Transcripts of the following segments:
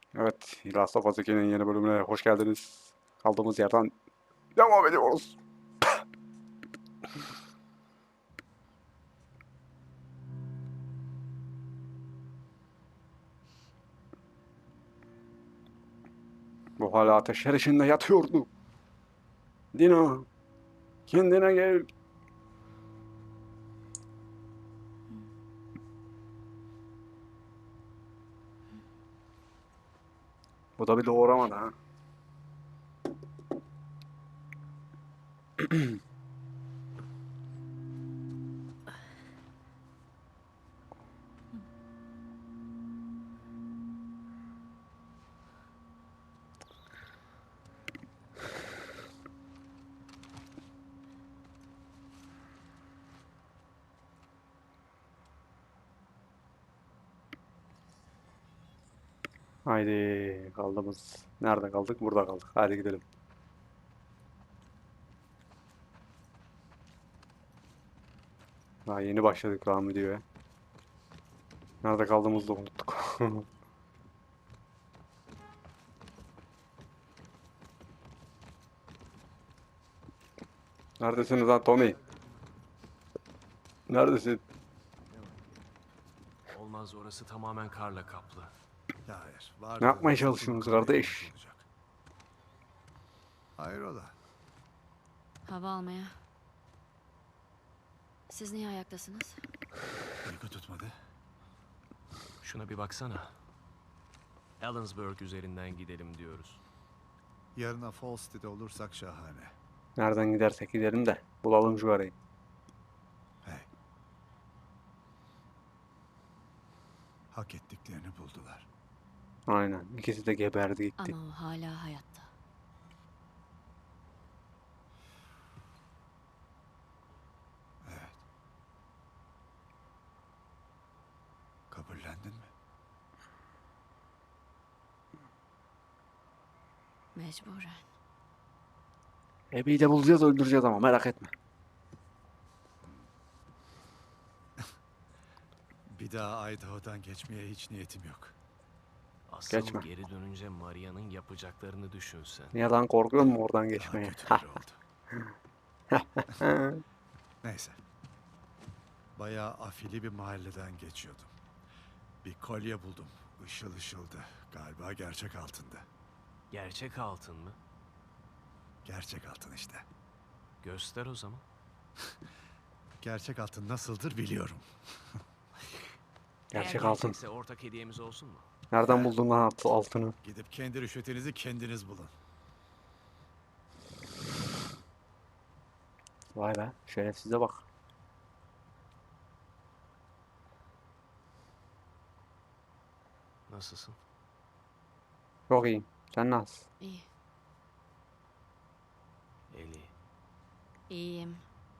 Evet, Last of Us 2'nin yeni bölümüne hoş geldiniz. Kaldığımız yerden devam ediyoruz. Bu hala ateşler içinde yatıyordu. Dina, kendine gel. Bu da bir doğramadı ha. Haydi kaldığımız. Nerede kaldık? Burada kaldık. Hadi gidelim. Daha yeni başladık lan videoya. Nerede kaldığımızı da unuttuk. Neredesiniz lan Tommy? Neredesin? Olmaz, orası tamamen karla kaplı. Hayır. Var Ne yapmaya çalışıyorsunuz kardeş? Hayrola? Hava almaya. Siz niye ayaktasınız? Uyku tutmadı. Şuna bir baksana. Ellensburg üzerinden gidelim diyoruz. Yarına Falls City'de olursak şahane. Nereden gidersek gidelim de bulalım şu arayı. Hey. Hak ettiklerini buldular. Aynen. İkisi de geberdi gitti. Ama o hala hayatta. Evet. Kabullendin mi? Mecburen. Ebi'yi de bulacağız, öldüreceğiz ama merak etme. Bir daha Idaho'dan geçmeye hiç niyetim yok. Asıl Geçme. geri dönünce Maria'nın yapacaklarını düşünsen. Niye lan, korkuyor musun oradan Daha geçmeye? kötüleri oldu. Neyse. Bayağı afili bir mahalleden geçiyordum. Bir kolye buldum. Işıl ışıldı. Galiba gerçek altında. Gerçek altın mı? Gerçek altın işte. Göster o zaman. Gerçek altın nasıldır biliyorum. Gerçek Eğer altın. gerçekse ortak hediyemiz olsun mu? Nereden buldun lan altını? Gidip kendi rüşvetinizi kendiniz bulun. Vay be, şerefsize bak. Nasılsın? Çok iyiyim. Sen nasılsın? İyi. Eli. İyiyim.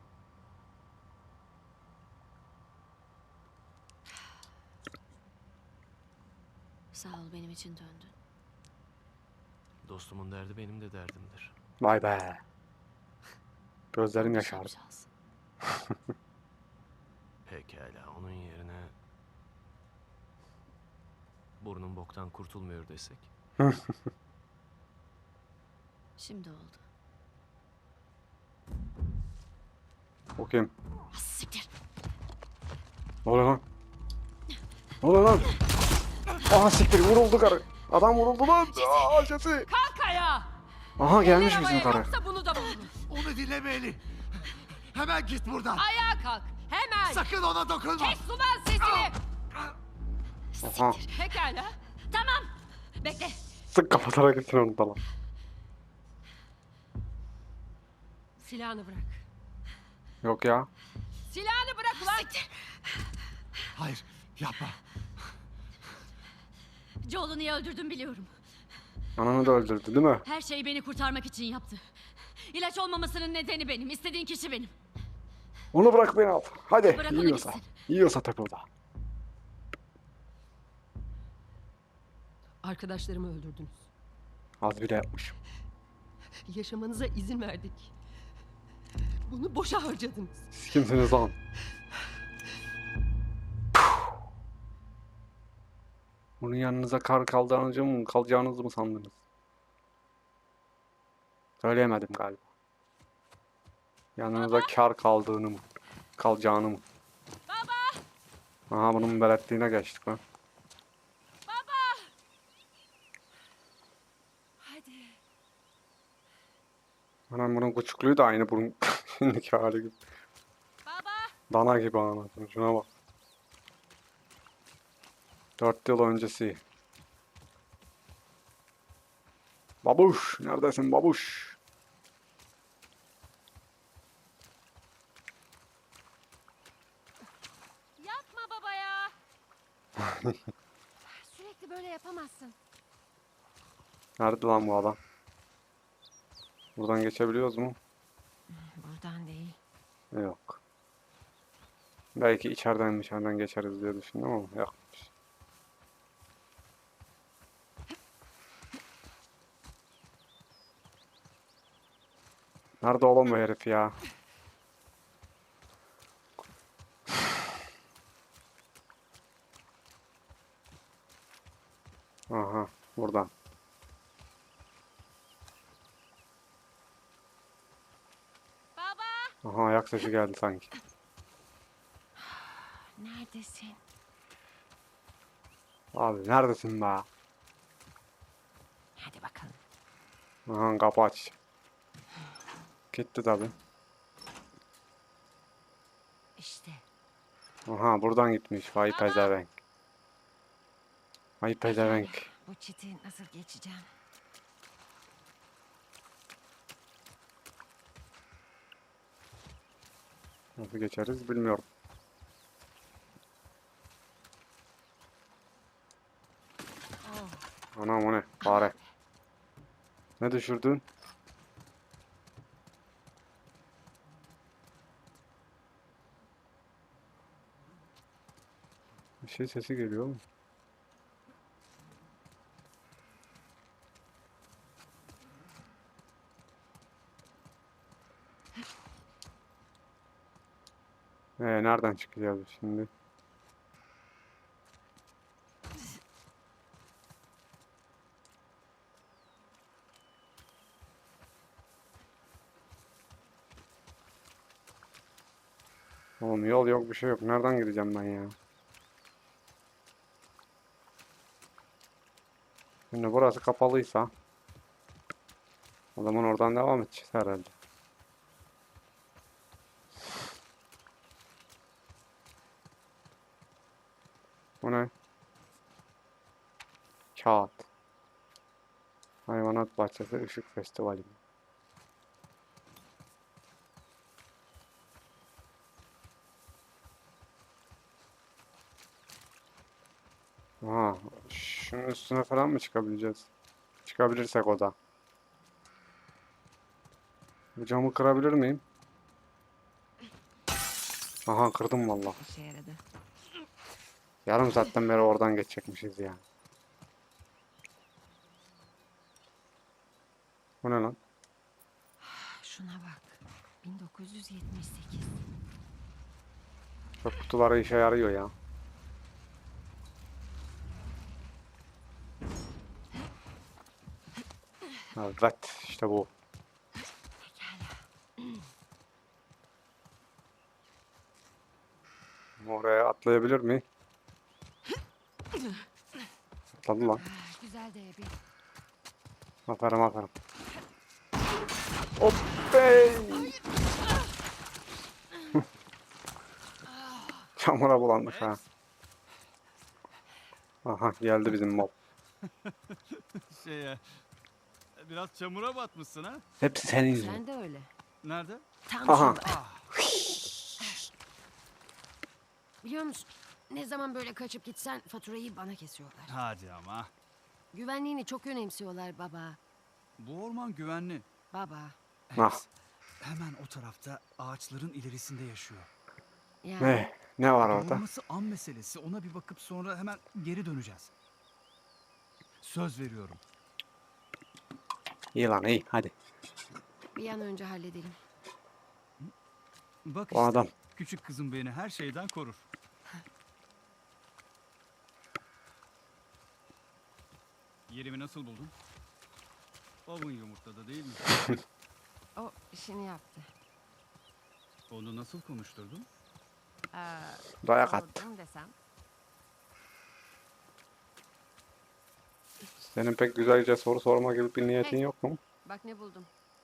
Sağ ol, benim için döndün. Dostumun derdi benim de derdimdir. Vay be. Gözlerim Allah yaşardı. şapşalsın. Pekala, onun yerine... Burnun boktan kurtulmuyor desek. Şimdi oldu. O kim? Ah, siktir. Ne oluyor lan? Ne oluyor lan? Aha siktir, vuruldu karı. Adam vuruldu lan. Aa, Jesse. Kalk ayağa! Aha gelmiş Eller bizim havaya, karı. Yoksa bunu da vururum. Onu dinleme Eli. Hemen git buradan. Ayağa kalk! Hemen! Sakın ona dokunma. Kes ulan sesini! Aha. Pekala. Tamam. Bekle. Sık kapatarak gitsin onu da lan. Silahını bırak. Yok ya. Silahını bırak ulan! Hayır yapma. Joel'u niye öldürdüm biliyorum. Ananı da öldürdü değil mi? Her şeyi beni kurtarmak için yaptı. İlaç olmamasının nedeni benim. İstediğin kişi benim. Onu bırak, beni al. Hadi. Bırak onu Yiyorsa. gitsin. Yiyorsa tabii o da. Arkadaşlarımı öldürdünüz. Az bile yapmış. Yaşamanıza izin verdik. Bunu boşa harcadınız. Siz kimsiniz lan? Bunun yanınıza kar kalacağınızı mı sandınız? Söyleyemedim galiba. Yanınıza kar kaldığını mı? Kalacağını mı? Baba! Aha bunun beletliğine geçtik lan. Hadi. Anam bunun küçüklüğü de aynı bunun şimdiki hali gibi. Baba! Dana gibi anasını. Şuna bak. 4 yıl öncesi. Babuş. Neredesin babuş? Yapma baba ya. Sürekli böyle yapamazsın. Nerede lan bu adam? Buradan geçebiliyoruz mu? Buradan değil. Yok. Belki içeriden geçeriz diye düşündüm ama yokmuş. Nerede oğlum bu herif ya? Aha, buradan. Baba! Aha, ayak sesi geldi sanki. Neredesin? Abi neredesin be? Hadi bakalım. Aha, kapı aç. Gitti tabi. İşte. Aha, buradan gitmiş. Vay pezevenk. Vay pezevenk. Bu çiti nasıl geçeceğim? Nasıl geçeriz bilmiyorum. Oh. Anam o ne? Fare. Ne düşürdün? Bir şey sesi geliyor mu? Nereden çıkacağız şimdi? Oğlum yol yok bir şey yok. Nereden gideceğim ben ya? Şimdi burası kapalıysa o zaman oradan devam edeceğiz herhalde. Bu ne? Kağıt. Hayvanat Bahçesi Işık Festivali. Aha, şunun üstüne falan mı çıkabileceğiz? Çıkabilirsek o da. Bu camı kırabilir miyim? Aha kırdım valla. İşe yaradı. Yarım saatten beri oradan geçecekmişiz ya. Bu ne lan? Şuna bak. 1978. Çöp kutuları işe yarıyor ya. Evet işte bu. Oraya atlayabilir mi? Atladı lan. Güzel de bir. Aferin aferin. Hop bey. Çamura bulanmış ha. Aha geldi bizim mob. Biraz çamura batmışsın ha? Hepsi senin yüzünden. Sen de öyle. Nerede? Tam Aha. şurada. Biliyor musun? Ne zaman böyle kaçıp gitsen faturayı bana kesiyorlar. Hadi ama. Güvenliğini çok önemsiyorlar baba. Bu orman güvenli. Baba. Ah. Hemen o tarafta ağaçların ilerisinde yaşıyor. Ya. Ne var orada? Doğurması an meselesi. Ona bir bakıp sonra hemen geri döneceğiz. Söz veriyorum. İyi lan iyi hadi. Bir an önce halledelim. Bak O işte. adam. Küçük kızım beni her şeyden korur. Yerimi nasıl buldun? Owen yumurtladı değil mi? O işini yaptı. Onu nasıl konuşturdun? Dayak attı. Sordum desem. Senin pek güzelce soru sorma gibi bir niyetin Hey. yok mu? Bak ne buldum.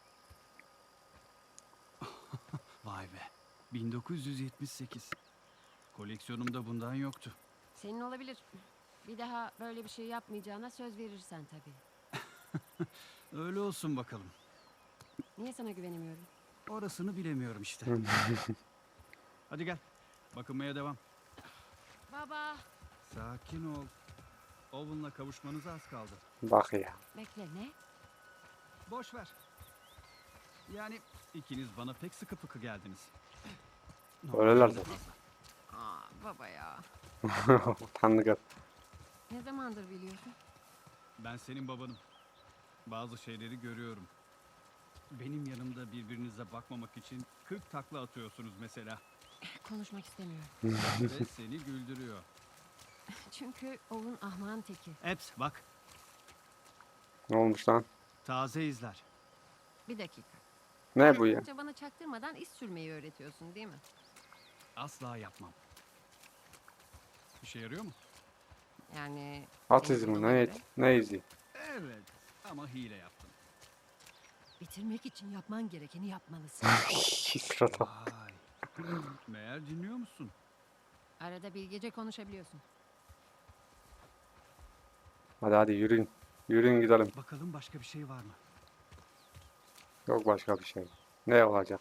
Vay be. 1978. Koleksiyonumda bundan yoktu. Senin olabilir. Bir daha böyle bir şey yapmayacağına söz verirsen tabii. Öyle olsun bakalım. Niye sana güvenemiyorum? Orasını bilemiyorum işte. Hadi gel. Bakınmaya devam. Baba. Sakin ol. Owen'la kavuşmanıza az kaldı. Bak ya. Bekle ne? Boş ver. Yani ikiniz bana pek sıkı fıkı geldiniz. Öyleler Normalden zaten. fazla. Aa baba ya. Tanrı gel. Ne zamandır biliyorsun? Ben senin babanım. Bazı şeyleri görüyorum. Benim yanımda birbirinize bakmamak için 40 takla atıyorsunuz mesela. Konuşmak istemiyorum. Ve seni güldürüyor. Çünkü Owen ahmağın teki. Eps bak. Ne olmuş lan? Taze izler. Bir dakika. Ne bu ya? Önce bana çaktırmadan iz sürmeyi öğretiyorsun değil mi? Asla yapmam. İşe yarıyor mu? Yani... At senin izi mi? durumuna Ne, göre ne izi? Evet. Ama hile yaptım. Bitirmek için yapman gerekeni yapmalısın. Sırada. Vay. Meğer dinliyor musun? Arada bilgece konuşabiliyorsun. Hadi hadi yürüyün. Yürüyün gidelim. Bakalım başka bir şey var mı? Yok başka bir şey. Ne olacak?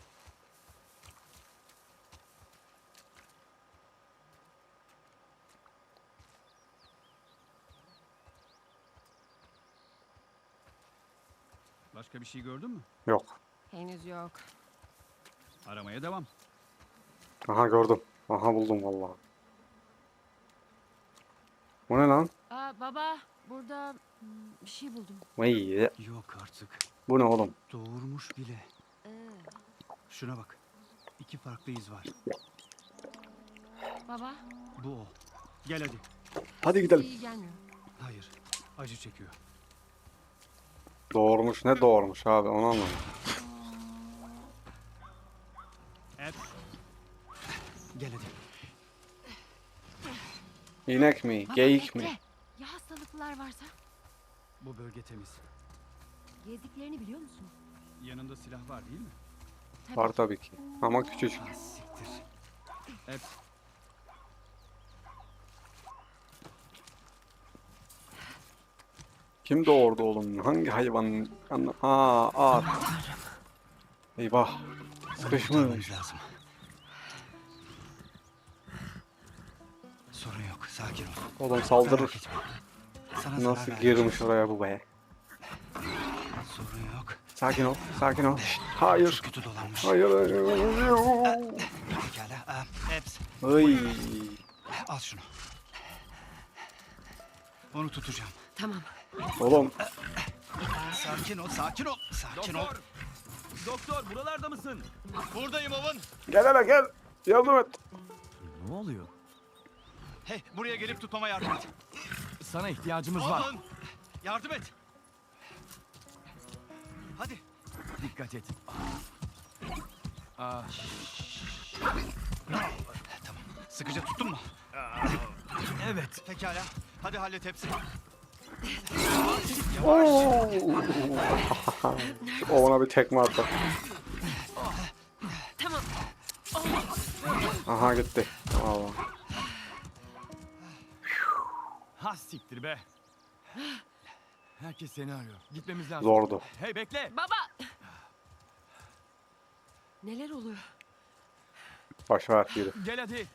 Başka bir şey gördün mü? Yok. Henüz yok. Aramaya devam. Aha gördüm. Aha buldum vallahi. Bu ne lan? Aa baba burada bir şey buldum. Vay. Yok artık. Bu ne oğlum? Doğurmuş bile. Ee, Şuna bak. 2 farklı iz var. baba Bu o. Gel hadi. Hadi gidelim. iyi gelmiyor. Hayır. Acı çekiyor. Doğurmuş ne doğurmuş abi onu anlamadım. Eps. Gel hadi. İnek mi? Baba Geyik bekle. mi? Ya hastalıklar varsa? Bu bölge temiz. Gezdiklerini biliyor musun? Yanında silah var değil mi? Tabii. Var tabii ki. Ama küçücük. Ah siktir. Eps. Kim doğurdu oğlum? Hangi hayvan? Aa at. Eyvah. Sıkışmış. Kurtarmamız lazım. Sorun yok. Sakin ol. Oğlum Merak saldırır. etme. Sana zarar Nasıl vermeyeceğim. girmiş oraya bu be? Sorun yok. Sakin ol. Sakin ol. Şşt, hayır. Çok kötü dolanmış. Hayır. Hayır. Pekala. Eps. Ay. Al şunu. Onu tutacağım. Tamam. Oğlum Sakin ol. Sakin ol. Sakin ol. Doktor buralarda mısın? Buradayım Owen. gel hele gel. Yardım et. Ne oluyor? Hey, buraya gelip tutmama yardım et. Sana ihtiyacımız Owen. Yardım et. Hadi. Dikkat et. Tamam. Sıkıca tuttun mu? Evet. Pekala. Hadi hallet hepsini. O bana bir tekme attı. Tamam. Aha gitti. Allah. Ha siktir be. Herkes seni arıyor. Gitmemiz lazım. Zordu. Hey bekle. Baba. Neler oluyor? Boş ver yürü. Gel hadi.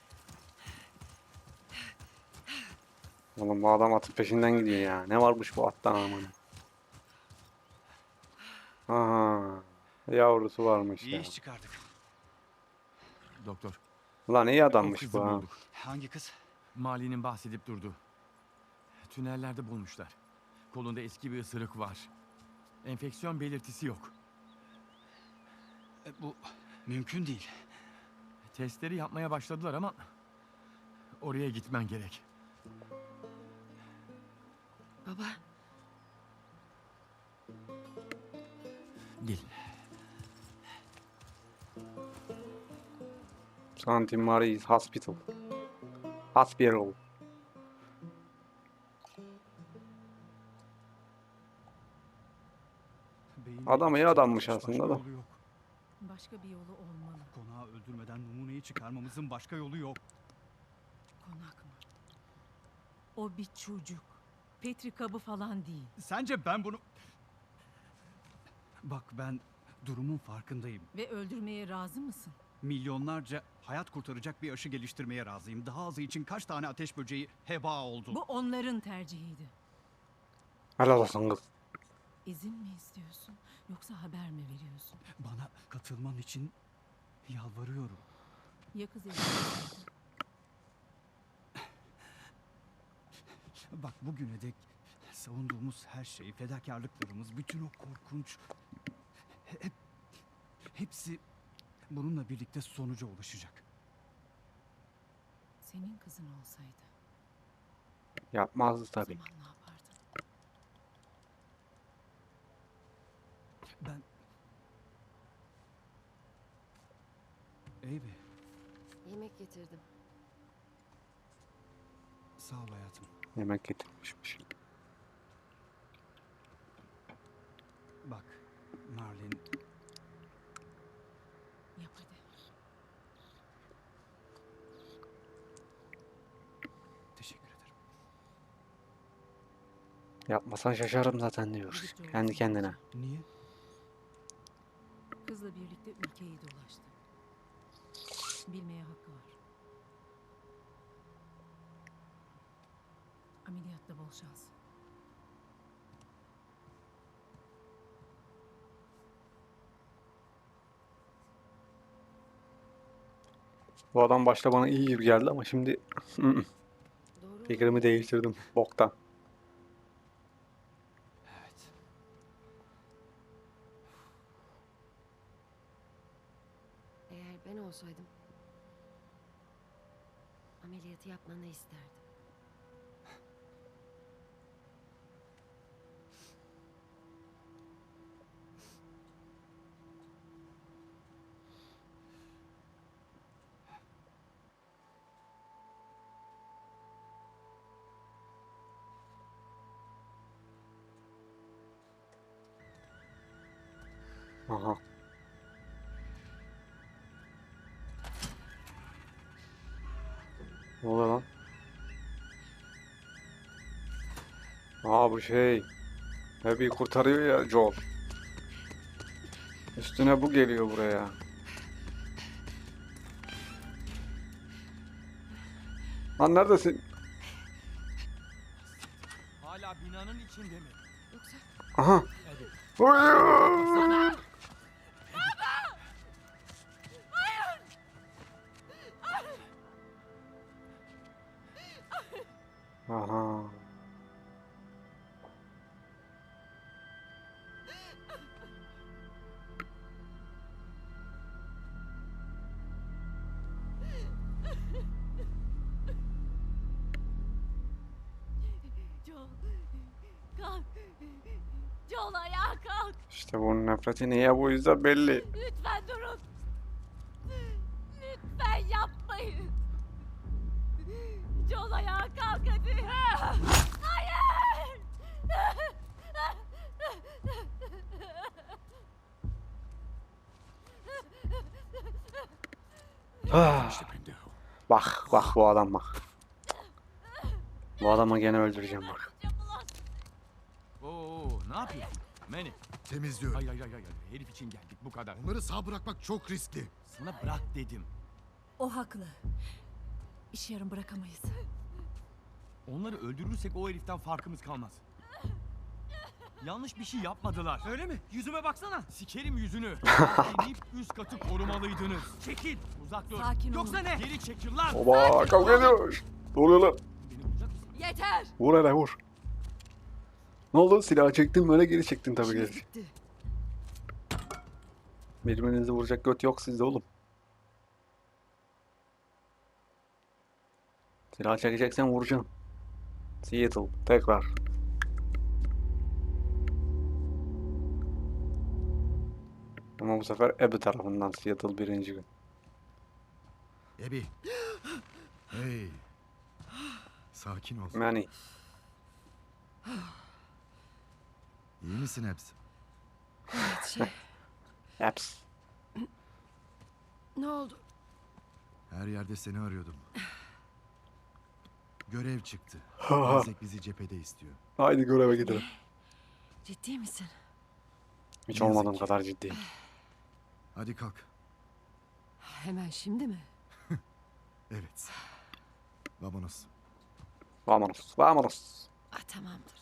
Oğlum bu adam atın peşinden gidiyor ya. Ne varmış bu attan aman. Aha. Yavrusu varmış İyi ya. iş çıkardık. Doktor. Ulan iyi O adammış kızı bu ha. bulduk. Hangi kız? Mali'nin bahsedip durdu. Tünellerde bulmuşlar. Kolunda eski bir ısırık var. Enfeksiyon belirtisi yok. Bu mümkün değil. Testleri yapmaya başladılar ama oraya gitmen gerek. Baba. Gelin. St. Mary's Hospital. Hospital. Beyinde Adam iyi hiç adammış başka aslında da. yolu yok. Başka bir yolu olmalı. Konağı öldürmeden numuneyi çıkarmamızın başka yolu yok. Konak mı? O bir çocuk. Petri kabı falan değil. Sence ben bunu... Bak ben durumun farkındayım. Ve öldürmeye razı mısın? Milyonlarca hayat kurtaracak bir aşı geliştirmeye razıyım. Daha azı için kaç tane ateş böceği heba oldu. Bu onların tercihiydi. Helal olsun kız. İzin mi istiyorsun yoksa haber mi veriyorsun? Bana katılman için yalvarıyorum. Ya kız evlenmeseydi? Bak bugüne dek savunduğumuz her şey, fedakarlıklarımız, bütün o korkunç... Hepsi bununla birlikte sonuca ulaşacak. Senin kızın olsaydı Yapmazdı o tabii. zaman ne yapardın? Ben... Eybi, Yemek getirdim. sağ ol hayatım. Yemek getirmişmiş. Bak, Marlin, Yap hadi. teşekkür ederim. Yapmasan şaşarım zaten diyor. Birlikte Kendi olsun kendine. bence. Niye? Kızla birlikte ülkeyi dolaştı. Bilmeye hakkı var. Ameliyatta bol şans. Bu adam başta bana iyi gibi geldi ama şimdi Doğru. fikrimi değiştirdim. Boktan. Evet. Eğer ben olsaydım ameliyatı yapmanı isterdim. Aha. Ne oluyor lan? Aa bu şey. Abby'yi kurtarıyor ya Joel. Üstüne bu geliyor buraya. Lan neredesin? Hala binanın içinde mi? Yoksa Aha. Hayır. Aha. Joel, kalk. Joel ayağa kalk. İşte bunun nefreti niye bu yüzden belli. Lütfen durun. Lütfen yapmayın. Joel ayağa kalk hadi. Hayır. Ah. Bak bak bu adam bak. Bu adamı gene öldüreceğim bak. Oo, ne yapıyorsun? Manny. Temizliyorum. Hayır hayır hayır hayır. Herif için geldik bu kadar. Onları sağ bırakmak çok riskli. Sana bırak dedim. O haklı. İş yarım bırakamayız. Onları öldürürsek o heriften farkımız kalmaz. Yanlış bir şey yapmadılar. Öyle mi? Yüzüme baksana. Sikerim yüzünü. İnip üst katı korumalıydınız. Çekil. Uzak dur. Sakin olun. Yoksa ne? Geri çekil lan. Oba kavga ediyor. Ne oluyor lan? Beni vuracak mısın? Yeter. Vur hele vur. Ne oldu? Silahı çektin böyle geri çektin tabii İşimiz geri. bitti. Birbirinizi vuracak göt yok sizde oğlum. Silah çekeceksen vuracaksın. Seattle tekrar. Ama bu sefer Abby tarafından Seattle birinci gün. Ebi. Hey. Sakin ol. Manny. İyi misin hepsi? Yaps. Ne oldu? Her yerde seni arıyordum. Görev çıktı. Ha. Isaac bizi cephede istiyor. Haydi göreve gidelim. Ciddi misin? Hiç Ne yazık olmadığım ki. kadar ciddi. Hadi kalk. Hemen şimdi mi? Evet. Vamonos. Vamonos. Vamonos. Ah, tamamdır.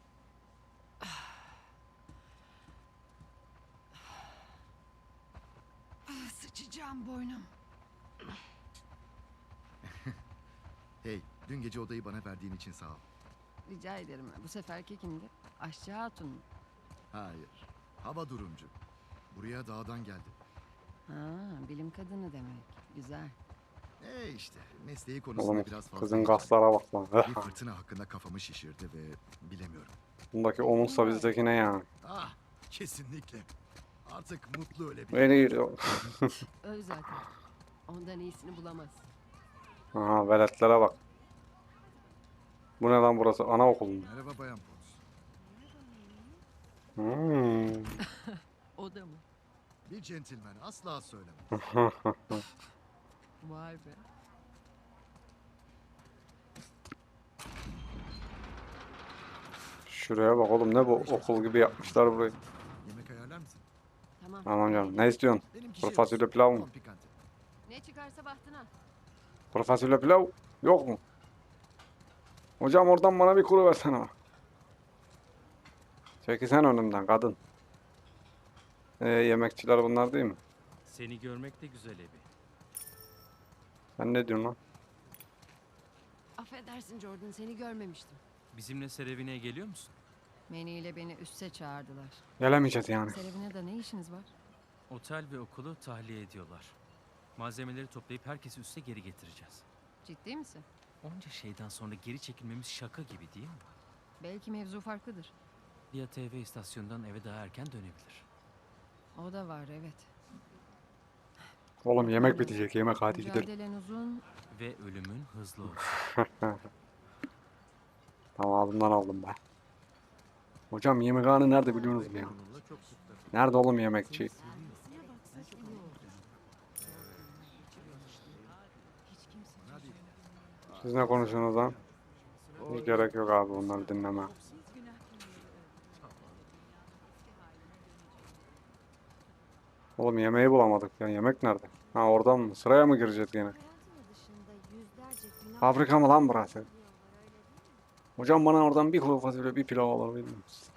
Sıçacağım boynum. Hey, dün gece odayı bana verdiğin için sağ ol. Rica ederim. Bu seferki kimdi? Aşçı Hatun mu? Hayır. Hava durumcu. Buraya dağdan geldi. Ha, bilim kadını demek. Güzel. İşte mesleği konusunda Oğlum biraz fazla kızın heyecanlı. kaslara bak lan. Bir fırtına hakkında kafamı şişirdi ve bilemiyorum. Bundaki omuzsa bizdeki ne yani? Ah, kesinlikle. Artık mutlu ölebilirim. Beni giriyor. Öl zaten. Ondan iyisini bulamaz. Aha veletlere bak. Bu ne lan burası? Anaokulu mu? Merhaba Bayan Pons. Hmm. O da mı? Bir centilmen asla söylemem. Vay be. Şuraya bak oğlum ne bu okul gibi yapmışlar burayı. Yemek ayarlar mısın? Tamam. Tamam canım. Ne istiyorsun? Benimki Kuru fasulye olsun, pilav mı? tam pikante. Ne çıkarsa bahtına. Kuru fasulye pilav yok mu? Hocam oradan bana bir kuru versene. Çekilsen önümden kadın. Yemekçiler bunlar değil mi? Seni görmek de güzel Ebi. Sen ne diyorsun lan? Affedersin Jordan, seni görmemiştim. Bizimle Serevine'ye geliyor musun? Manny ile beni üste çağırdılar. Gelemeyeceğiz yani. Serevine'de ne işiniz var? Otel ve okulu tahliye ediyorlar. Malzemeleri toplayıp herkesi üste geri getireceğiz. Ciddi misin? Onca şeyden sonra geri çekilmemiz şaka gibi değil mi? Belki mevzu farklıdır. Lia TV istasyonundan eve daha erken dönebilir. O da var, evet. Oğlum yemek bitecek. Yemek hadi gidelim. Mücadelen uzun. Ve ölümün hızlı olsun. Tamam ağzımdan aldım ben. Hocam yemekhane nerede biliyorsunuz mu ya? Nerede oğlum yemekçi? Siz ne konuşuyorsunuz lan? Hiç gerek yok abi bunları dinleme. Oğlum yemeği bulamadık ya. Yemek nerede? Ha oradan mı? Sıraya mı gireceğiz yine? Fabrika mı lan burası? Hocam bana oradan bir kuru fasulye bir pilav alabilir misiniz?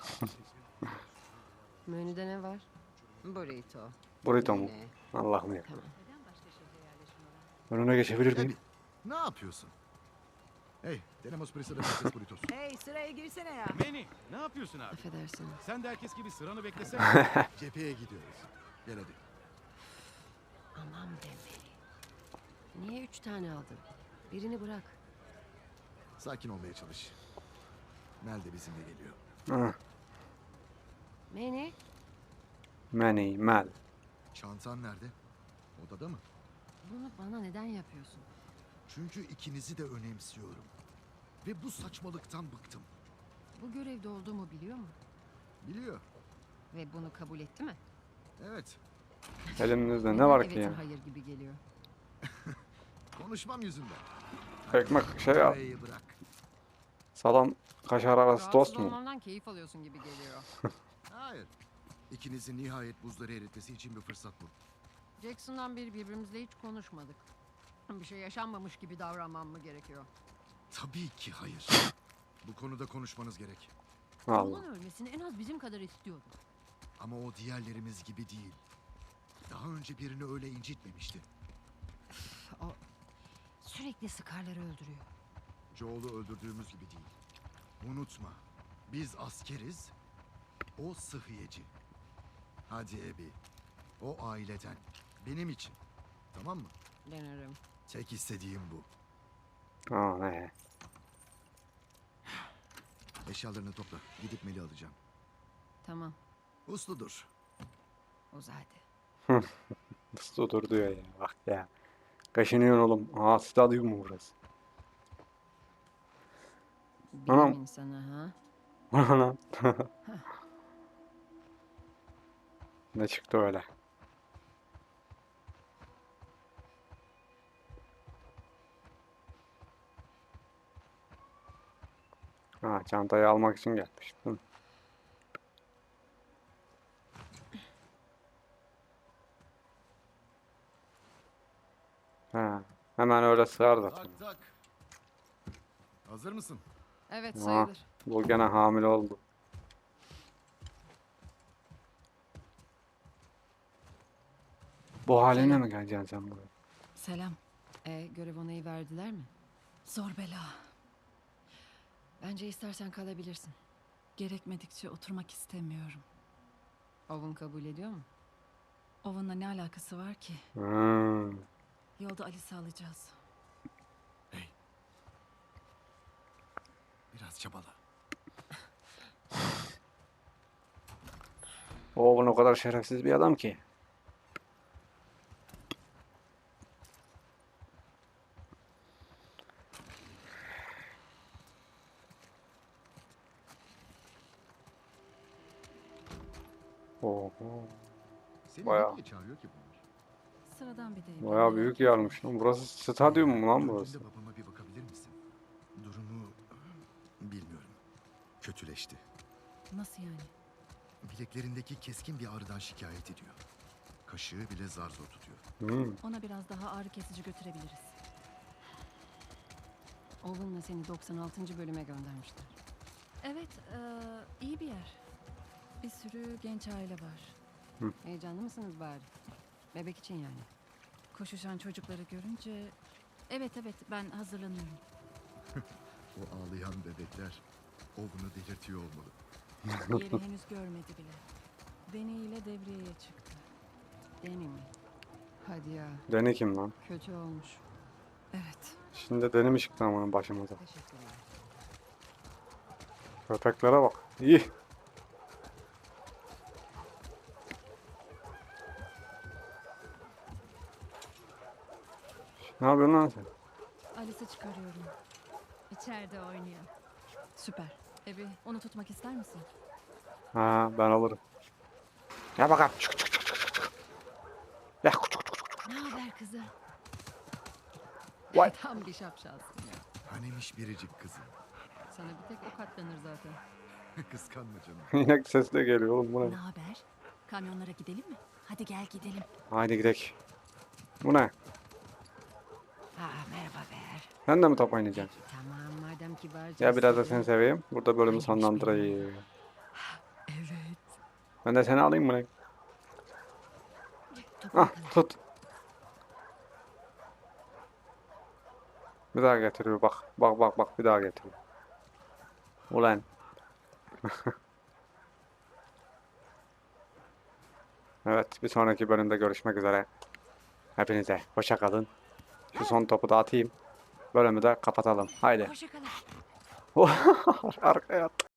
Menüde ne var? Burrito. Burrito mu? Yine. Allah'ım ya. Tamam. Önüne geçebilir Ebi, miyim? ne yapıyorsun? Hey, tenemos prisa de patates burritos. Hey, sıraya girsene ya. Manny, ne yapıyorsun abi? Affedersin. Sen de herkes gibi sıranı beklesene. Cepheye gidiyoruz. Gel hadi. Aman be Manny. Niye 3 tane aldın? Birini bırak. Sakin olmaya çalış. Mel de bizimle geliyor. Hı. Manny, Manny, Mel. Çantan nerede? Odada mı? bunu bana neden yapıyorsun? Çünkü ikinizi de önemsiyorum. Ve bu saçmalıktan bıktım. Bu görevde olduğumu biliyor mu? Biliyor. Ve bunu kabul etti mi? Evet. Elimizde ne Neden var ki evetin ya? hayır gibi geliyor. Konuşmam yüzünden. Ekmek şey ya. Burayı bırak. Salam kaşar arası tost Rahatsız mu? olmamdan keyif alıyorsun gibi geliyor. Hayır. İkinizin nihayet buzları eritmesi için bir fırsat bu. Jackson'dan beri birbirimizle hiç konuşmadık. Bir şey yaşanmamış gibi davranmam mı gerekiyor? Tabii ki hayır. Bu konuda konuşmanız gerek. Allah. Onun ölmesini en az bizim kadar istiyordum. Ama o diğerlerimiz gibi değil. Daha önce birini öyle incitmemişti. O sürekli Scar'ları öldürüyor. Joel'u öldürdüğümüz gibi değil. Unutma. Biz askeriz. O sıhhiyeci. Hadi Abby. O aileden. Benim için. Tamam mı? Denerim. Tek istediğim bu. Aa ne? Eşyalarını topla. Gidip Mel'i alacağım. Tamam. Usludur. O zaten. Nasıl dur diyor ya. Bak ya. Kaşınıyorsun oğlum. Aa stadyum mu burası? Bilim Anam. insanı ha. Lan. Ne çıktı öyle? Ha, çantayı almak için gelmiş. Hı. Ha, hemen öyle sığar zaten. Tak tak. Hazır mısın? Evet Ha, sayılır. bu gene hamile oldu. Bu haline Selam. mi geleceksin sen buraya? Selam. Görev onayı verdiler mi? Zor bela. Bence istersen kalabilirsin. Gerekmedikçe oturmak istemiyorum. Owen kabul ediyor mu? Owen'la ne alakası var ki? Hmm. Yolda Alice'i alacağız. Biraz çabala. Oğlum o kadar şerefsiz bir adam ki. Oho. Seni Bayağı. nereye çağırıyor ki bunlar? Sıradan bir deyim. Bayağı büyük yermiş lan. Burası stadyum mu lan burası? Döndüğünde babama bir bakabilir misin? Durumu bilmiyorum. Kötüleşti. Nasıl yani? Bileklerindeki keskin bir ağrıdan şikayet ediyor. Kaşığı bile zar zor tutuyor. Hmm. Ona biraz daha ağrı kesici götürebiliriz. Owen'la seni 96. bölüme göndermişler. Evet, iyi bir yer. Bir sürü genç aile var. Heyecanlı mısınız bari? Bebek için yani. Koşuşan çocukları görünce... Evet, ben hazırlanıyorum. O ağlayan bebekler Owen'u delirtiyor olmalı. Yeri henüz görmedi bile. Deneyiyle devreye çıktı. Deni mi? Hadi ya. Deni kim lan? Kötü olmuş. Evet. Şimdi deni mi çıktı amanın başımıza? Teşekkürler. Köpeklere bak. İyi. Ne yapıyorsun lan sen? Alice'i çıkarıyorum. İçeride oynuyor. Süper. Ebi, onu tutmak ister misin? Ha, ben alırım. Ya bakalım. Çık çık çık çık çık. Ya küçük küçük küçük. Ne haber kızım? Vay. Tam bir şapşalsın ya. Hanemiş biricik kızım. Sana bir tek o katlanır zaten. Kıskanma canım. İnek sesi de geliyor oğlum bu Ne ne? haber? Kamyonlara gidelim mi? Hadi gel gidelim. Haydi gidelim. Bu ne? Merhaba Ber. Sen de mi top oynayacaksın? Tamam madem kibarca. Ya biraz da istedin. seni seveyim. Burada bölümü sonlandırayım. Ben de seni alayım mı lan? Ah tut. Bir daha getiriyor bak. Bak bak bak bir daha getiriyor. Ulan. Evet bir sonraki bölümde görüşmek üzere. Hepinize hoşça kalın. Şu son topu da atayım. Bölümü de kapatalım. Haydi. Hoşça kalın. Arkaya at.